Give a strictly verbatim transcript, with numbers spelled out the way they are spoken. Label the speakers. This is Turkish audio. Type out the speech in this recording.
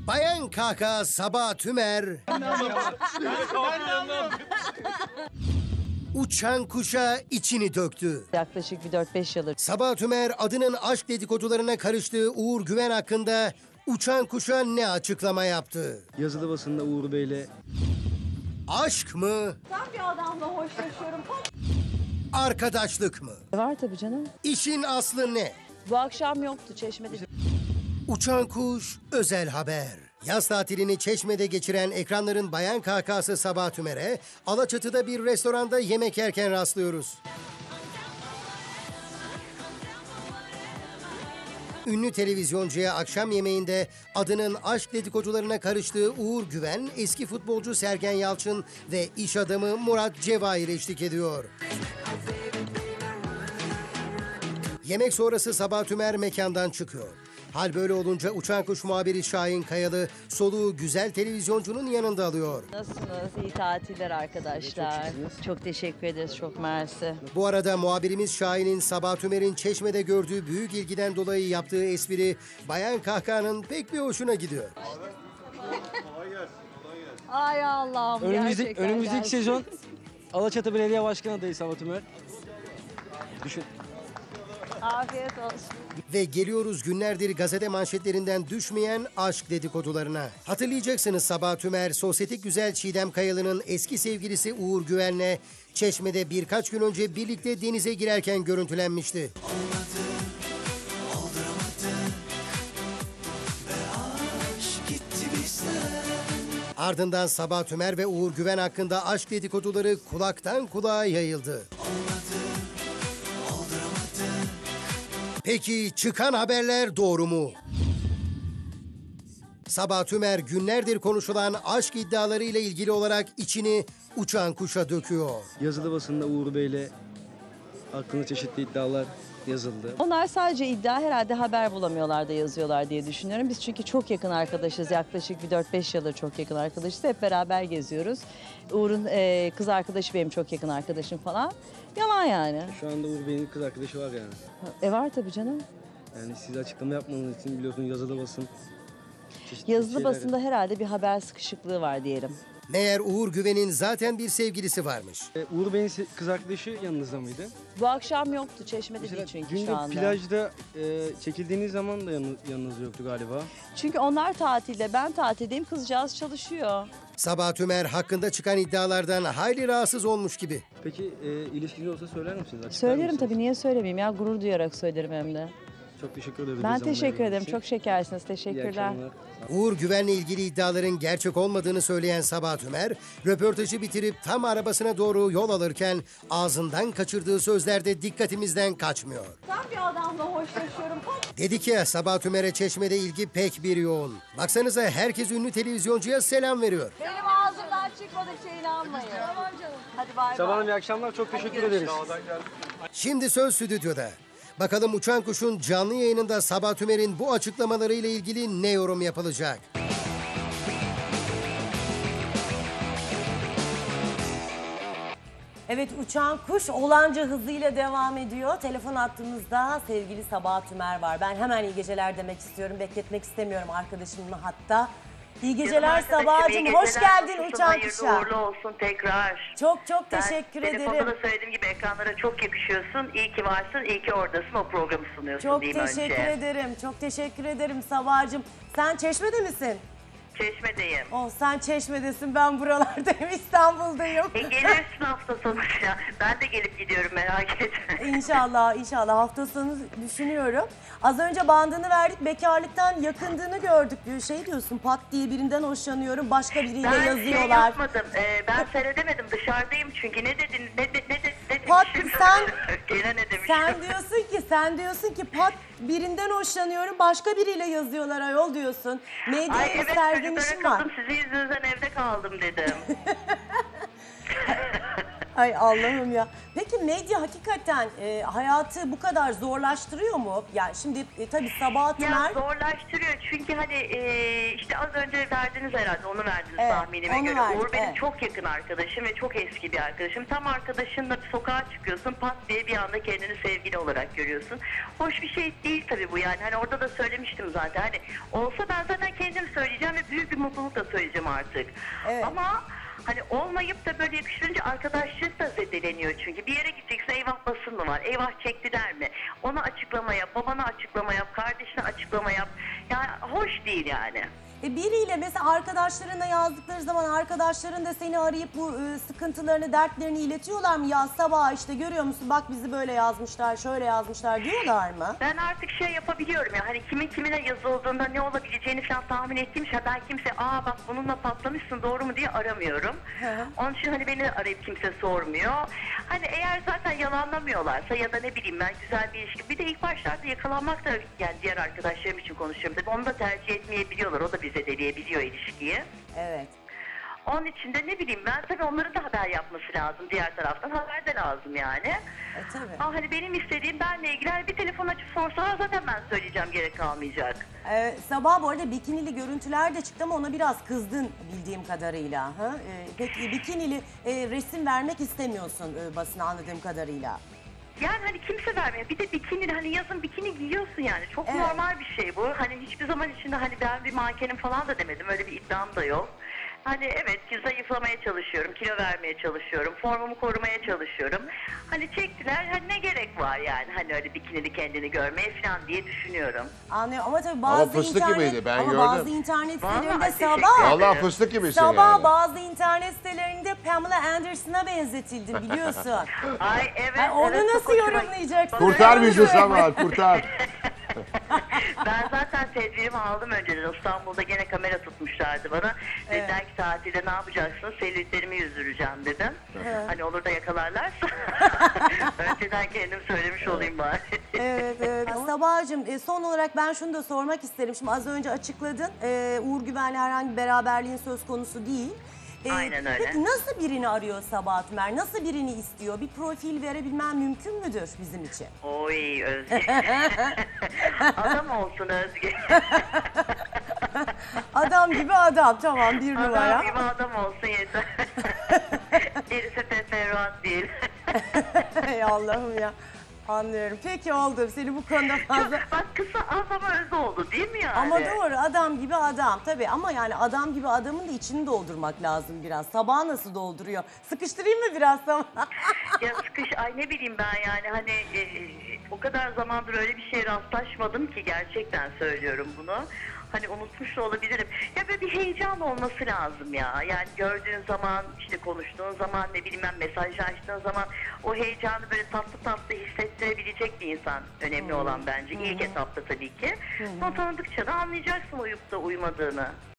Speaker 1: Bayan Kaka Sabah Tümer uçan kuşa içini döktü.
Speaker 2: Yaklaşık bir dört beş yıldır.
Speaker 1: Sabah Tümer adının aşk dedikodularına karıştığı Uğur Güven hakkında uçan kuşa ne açıklama yaptı?
Speaker 3: Yazılı basında Uğur Bey'le...
Speaker 1: Aşk mı?
Speaker 4: Ben bir adamla hoşlaşıyorum.
Speaker 1: Arkadaşlık mı?
Speaker 2: Var tabii canım.
Speaker 1: İşin aslı ne?
Speaker 2: Bu akşam yoktu Çeşme'de.
Speaker 1: Uçan kuş özel haber. Yaz tatilini Çeşme'de geçiren ekranların Bayan Kakası Sabah Tümer'e Alaçatı'da bir restoranda yemek yerken rastlıyoruz. Ünlü televizyoncuya akşam yemeğinde adının aşk dedikodularına karıştığı Uğur Güven, eski futbolcu Sergen Yalçın ve iş adamı Murat Cevahir eşlik ediyor. Yemek sonrası Sabah Tümer mekandan çıkıyor. Hal böyle olunca uçan kuş muhabiri Şahin Kayalı soluğu güzel televizyoncunun yanında alıyor.
Speaker 2: Nasılsınız? İyi tatiller arkadaşlar. Çok, çok teşekkür ederiz. Çok mersi.
Speaker 1: Bu arada muhabirimiz Şahin'in Sabah Tümer'in Çeşme'de gördüğü büyük ilgiden dolayı yaptığı espri Bayan Kahkaha'nın pek bir hoşuna gidiyor.
Speaker 2: Ay Allah'ım
Speaker 3: Önümüzdeki,
Speaker 2: gerçekten.
Speaker 3: önümüzdeki
Speaker 2: gerçekten.
Speaker 3: sezon Alaçatı Belediye Başkanı adayı Sabah Tümer. Düşün.
Speaker 2: Afiyet olsun.
Speaker 1: Ve geliyoruz günlerdir gazete manşetlerinden düşmeyen aşk dedikodularına. Hatırlayacaksınız Sabah Tümer, sosyetik güzel Çiğdem Kayalı'nın eski sevgilisi Uğur Güven'le Çeşme'de birkaç gün önce birlikte denize girerken görüntülenmişti. Ardından Sabah Tümer ve Uğur Güven hakkında aşk dedikoduları kulaktan kulağa yayıldı. Peki çıkan haberler doğru mu? Sabah Tümer günlerdir konuşulan aşk iddialarıyla ilgili olarak içini uçan kuşa döküyor.
Speaker 3: Yazılı basında Uğur Bey'le hakkında çeşitli iddialar yazıldı.
Speaker 2: Onlar sadece iddia, herhalde haber bulamıyorlar da yazıyorlar diye düşünüyorum. Biz çünkü çok yakın arkadaşız. Yaklaşık bir dört beş yıldır çok yakın arkadaşız. Hep beraber geziyoruz. Uğur'un e, kız arkadaşı benim çok yakın arkadaşım falan. Yalan yani.
Speaker 3: Şu anda Uğur Bey'in kız arkadaşı var yani.
Speaker 2: E var tabii canım.
Speaker 3: Yani siz açıklama yapmanız için biliyorsunuz yazılı basın. çeşitli
Speaker 2: Yazılı
Speaker 3: şeyler-
Speaker 2: basında herhalde bir haber sıkışıklığı var diyelim.
Speaker 1: Meğer Uğur Güven'in zaten bir sevgilisi varmış.
Speaker 3: E, Uğur Bey'in se- kız arkadaşı yanınızda mıydı?
Speaker 2: Bu akşam yoktu Çeşme'de
Speaker 3: Mesela
Speaker 2: değil çünkü
Speaker 3: günde
Speaker 2: şu anda.
Speaker 3: plajda e, çekildiğiniz zaman da yanı- yanınız yoktu galiba.
Speaker 2: Çünkü onlar tatilde, ben tatildeyim, kızcağız çalışıyor.
Speaker 1: Sabah Tümer hakkında çıkan iddialardan hayli rahatsız olmuş gibi.
Speaker 3: Peki e, ilişkiniz olsa söyler misiniz? Açıklar
Speaker 2: Söylerim
Speaker 3: mısınız?
Speaker 2: tabii, niye söylemeyeyim ya, gurur duyarak söylerim hem de.
Speaker 3: Çok teşekkür ederim.
Speaker 2: Ben
Speaker 3: bu zaman
Speaker 2: teşekkür
Speaker 3: verdiğiniz
Speaker 2: ederim,
Speaker 3: için.
Speaker 2: çok şekersiniz,
Speaker 3: İyi
Speaker 2: teşekkürler.
Speaker 3: akşamlar.
Speaker 1: Uğur Güven'le ilgili iddiaların gerçek olmadığını söyleyen Sabah Tümer, röportajı bitirip tam arabasına doğru yol alırken ağzından kaçırdığı sözlerde dikkatimizden kaçmıyor.
Speaker 4: Ben bir adamla hoşlaşıyorum.
Speaker 1: Dedi ki Sabah Tümer'e Çeşme'de ilgi pek bir yoğun. Baksanıza herkes ünlü televizyoncuya selam veriyor.
Speaker 2: Benim ağzımdan çıkmadıkça inanmayın. Tamam canım. Hadi bay
Speaker 3: Sabah
Speaker 2: bay.
Speaker 3: Hanım iyi akşamlar. Çok teşekkür ederiz.
Speaker 1: Şimdi söz stüdyoda. Bakalım Uçan Kuş'un canlı yayınında Sabah Tümer'in bu açıklamalarıyla ilgili ne yorum yapılacak?
Speaker 5: Evet, Uçan Kuş olanca hızıyla devam ediyor. Telefon attığımızda sevgili Sabah Tümer var. Ben hemen iyi geceler demek istiyorum. Bekletmek istemiyorum arkadaşımın hatta. İyi geceler Sabah'cığım. Hoş geldin Uçan
Speaker 6: Hayırlı
Speaker 5: Kuş'a.
Speaker 6: uğurlu olsun tekrar.
Speaker 5: Çok çok
Speaker 6: Ben
Speaker 5: teşekkür
Speaker 6: telefonda
Speaker 5: ederim.
Speaker 6: da söylediğim gibi ekranlara çok yakışıyorsun. İyi ki varsın, iyi ki oradasın. O programı sunuyorsun
Speaker 5: Çok
Speaker 6: diyeyim
Speaker 5: teşekkür
Speaker 6: önce.
Speaker 5: ederim. Çok teşekkür ederim Sabah'cığım. Sen Çeşme'de misin?
Speaker 6: Çeşme'deyim.
Speaker 5: Oh, sen Çeşme'desin, ben buralardayım, İstanbul'dayım.
Speaker 6: E gelirsin hafta sonu ya. Ben de gelip gidiyorum, merak etme.
Speaker 5: İnşallah, inşallah hafta sonu düşünüyorum. Az önce bandını verdik, bekarlıktan yakındığını gördük diyor. Şey diyorsun, pat diye birinden hoşlanıyorum, başka biriyle
Speaker 6: Ben şey
Speaker 5: yazıyorlar.
Speaker 6: yapmadım. e, ben seyredemedim. Dışarıdayım çünkü. Ne dedin? Ne de, ne de, ne
Speaker 5: Pat,
Speaker 6: demişim?
Speaker 5: sen-
Speaker 6: Gene ne demişim?
Speaker 5: Sen diyorsun ki, sen diyorsun ki pat birinden hoşlanıyorum, başka biriyle yazıyorlar ayol diyorsun.
Speaker 6: Ay
Speaker 5: Medyaya
Speaker 6: evet,
Speaker 5: sergilenişim
Speaker 6: çocuklara
Speaker 5: var.
Speaker 6: kaldım. Sizin yüzünüzden evde kaldım dedim.
Speaker 5: Ay Allah'ım ya. Peki medya hakikaten e, hayatı bu kadar zorlaştırıyor mu? Yani şimdi e, tabii Sabah
Speaker 6: Ya
Speaker 5: Tümer...
Speaker 6: zorlaştırıyor çünkü hani e, işte az önce verdiniz herhalde, onu verdiniz
Speaker 5: Evet,
Speaker 6: tahminime
Speaker 5: onu
Speaker 6: göre.
Speaker 5: verdik,
Speaker 6: Uğur benim
Speaker 5: evet.
Speaker 6: çok yakın arkadaşım ve çok eski bir arkadaşım. Tam arkadaşınla bir sokağa çıkıyorsun, pat diye bir anda kendini sevgili olarak görüyorsun. Hoş bir şey değil tabii bu yani. Hani orada da söylemiştim zaten. Hani olsa ben zaten kendim söyleyeceğim. söyleyeceğim ve büyük bir mutlulukla söyleyeceğim artık.
Speaker 5: Evet.
Speaker 6: Ama hani olmayıp da böyle yakıştırınca arkadaşlık da zedeleniyor çünkü. Bir yere gideceksin, eyvah basın mı var, eyvah çektiler mi? Ona açıklama yap, babana açıklama yap, kardeşine açıklama yap. Yani hoş değil yani.
Speaker 5: E biriyle mesela arkadaşlarına yazdıkları zaman arkadaşların da seni arayıp bu e, sıkıntılarını, dertlerini iletiyorlar mı? Ya sabah işte görüyor musun bak bizi böyle yazmışlar, şöyle yazmışlar diyorlar mı?
Speaker 6: Ben artık şey yapabiliyorum ya, hani kimin kimine yazıldığında ne olabileceğini falan tahmin ettiğim şey, ben kimse aa bak bununla patlamışsın doğru mu diye aramıyorum.
Speaker 5: Hı.
Speaker 6: Onun için hani beni arayıp kimse sormuyor. Hani eğer zaten yalanlamıyorlarsa ya da ne bileyim ben güzel bir ilişki, bir de ilk başlarda yakalanmak da, yani diğer arkadaşlarım için konuşuyorum tabii, onu da tercih etmeyebiliyorlar, o da bize deleyebiliyor ilişkiyi.
Speaker 5: Evet.
Speaker 6: Onun için de ne bileyim ben, tabii onların da haber yapması lazım, diğer taraftan haber de lazım yani.
Speaker 5: E tabii.
Speaker 6: Ama hani benim istediğim, benle ilgili hani bir telefon açıp sorsalar zaten ben söyleyeceğim, gerek kalmayacak.
Speaker 5: Ee, sabah bu arada bikinili görüntüler de çıktı ama ona biraz kızdın bildiğim kadarıyla. Ha? Ee, peki bikinili e, resim vermek istemiyorsun e, basına anladığım kadarıyla.
Speaker 6: Yani hani kimse vermiyor. Bir de bikini, hani yazın bikini giyiyorsun yani. Çok
Speaker 5: Evet.
Speaker 6: normal bir şey bu. Hani hiçbir zaman içinde hani ben bir mankenim falan da demedim. Öyle bir iddiam da yok. Hani evet ki zayıflamaya çalışıyorum, kilo vermeye çalışıyorum, formumu korumaya çalışıyorum. Hani çektiler, hani ne gerek var yani hani öyle bikinili kendini görmeye falan diye düşünüyorum.
Speaker 5: Anlıyorum ama tabii bazı
Speaker 7: fıstık
Speaker 5: internet,
Speaker 7: gibiydi, ben
Speaker 5: ama
Speaker 7: gördüm.
Speaker 5: bazı internet
Speaker 6: Vallahi
Speaker 5: sitelerinde
Speaker 6: teşekkür
Speaker 5: sabah,
Speaker 6: ederim.
Speaker 7: Vallahi fıstık gibisin
Speaker 5: sabah
Speaker 7: yani.
Speaker 5: bazı internet sitelerinde Pamela Anderson'a benzetildin biliyorsun.
Speaker 6: Ay evet.
Speaker 5: Ay, onu
Speaker 6: evet, çok
Speaker 5: nasıl
Speaker 6: hoşuma-
Speaker 5: yorumlayacaksın?
Speaker 7: Kurtar
Speaker 5: Öyle
Speaker 7: bizi
Speaker 5: mi?
Speaker 7: Samal, kurtar.
Speaker 6: Ben zaten tedbirimi aldım önceden. İstanbul'da gene kamera tutmuşlardı bana. Dediler ki tatilde ne yapacaksın? Selülitlerimi yüzdüreceğim dedim. Hani olur da yakalarlarsa. Önceden kendim söylemiş olayım bari.
Speaker 5: Evet, evet. Sabahcığım e, son olarak ben şunu da sormak isterim. Şimdi az önce açıkladın. E, Uğur Güven'le herhangi bir beraberliğin söz konusu değil. E,
Speaker 6: Aynen öyle.
Speaker 5: Peki nasıl birini arıyor Sabah Tümer? Nasıl birini istiyor? Bir profil verebilmem mümkün müdür bizim için?
Speaker 6: Oy Özge. Adam olsun Özge.
Speaker 5: Adam gibi adam. Tamam bir numara.
Speaker 6: Adam gibi adam olsun yeter. Gerisi teferruat değil.
Speaker 5: Ey Allah'ım ya. Anlıyorum. Peki oldu. Seni bu konuda fazla...
Speaker 6: Bak kısa az ama öz oldu değil mi yani?
Speaker 5: Ama doğru adam gibi adam tabii ama yani adam gibi adamın da içini doldurmak lazım biraz. Sabah nasıl dolduruyor? Sıkıştırayım mı biraz Sabah?
Speaker 6: Ya sıkış, ay ne bileyim ben yani hani e, e, o kadar zamandır öyle bir şeye rastlaşmadım ki, gerçekten söylüyorum bunu. Hani unutmuş da olabilirim. Ya böyle bir heyecan olması lazım ya. Yani gördüğün zaman, işte konuştuğun zaman, ne bileyim ben mesajlaştığın zaman o heyecanı böyle tatlı tatlı hissettirebilecek bir insan önemli olan bence. İlk etapta tabii ki. Sonra tanıdıkça da anlayacaksın uyup da uymadığını.